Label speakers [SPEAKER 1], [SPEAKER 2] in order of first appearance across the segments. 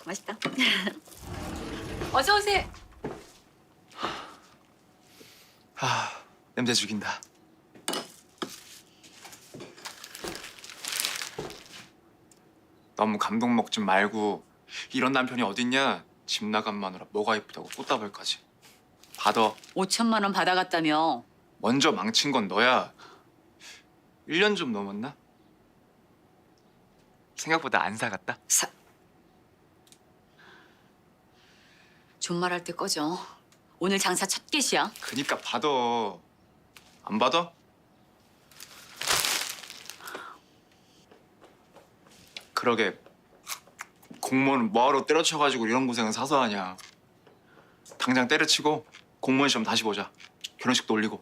[SPEAKER 1] 맛있다. 어서 오세요.
[SPEAKER 2] 냄새 죽인다. 너무 감동 먹지 말고 이런 남편이 어딨냐? 집 나간 마누라 뭐가 이쁘다고 꽃다발까지. 받아.
[SPEAKER 1] 5천만 원 받아갔다며.
[SPEAKER 2] 먼저 망친 건 너야. 1년 좀 넘었나? 생각보다 안 사갔다.
[SPEAKER 1] 존말할 때 꺼져. 오늘 장사 첫 개시야.
[SPEAKER 2] 그니까 받아. 안 받아? 그러게 공무원 뭐하러 때려쳐가지고 이런 고생은 사서 하냐. 당장 때려치고 공무원 시험 다시 보자. 결혼식도 올리고.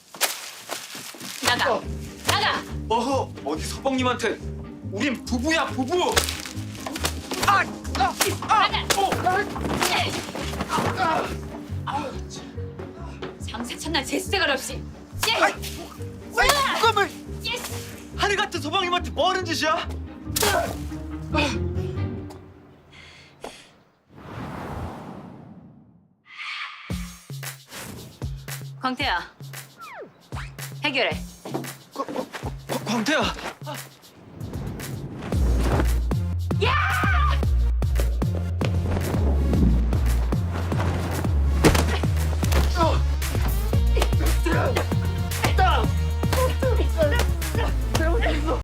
[SPEAKER 1] 나가. 나가.
[SPEAKER 2] 어허, 어디 서방님한테. 우린 부부야, 부부.
[SPEAKER 1] 장사 첫날 제스대가 없이.
[SPEAKER 2] 이거면 하늘 같은 서방님한테 뭐 하는 짓이야?
[SPEAKER 1] 광태야. 해결해.
[SPEAKER 2] 광태야.